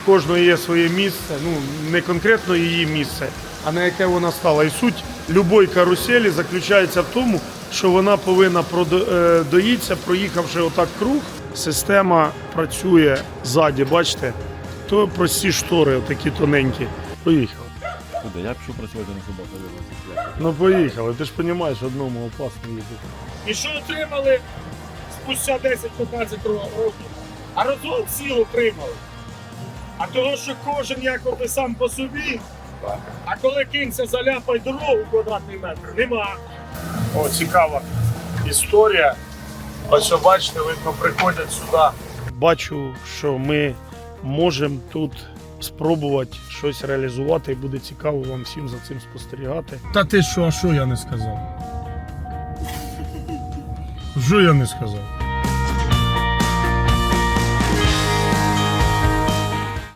кожної є своє місце, ну не конкретно її місце, а на яке вона стала. І суть любої каруселі заключається в тому, що вона повинна доїтися, проїхавши отак круг. Система працює ззаді, бачите, то прості штори, отакі тоненькі. Поїхали. Куди? Я пішов працювати на собаку. Ну поїхали, ти ж розумієш, одному опасно їздити. І що отримали спустя 10-15 років? А розгон сіл отримали. А того, що кожен якоби сам по собі, а коли кінця заляпає дорогу квадратний метр, нема. О, цікава історія. Ось, бачите, видно, приходять сюди. Бачу, що ми можемо тут спробувати щось реалізувати і буде цікаво вам всім за цим спостерігати. Та ти що, а що я не сказав? Що я не сказав?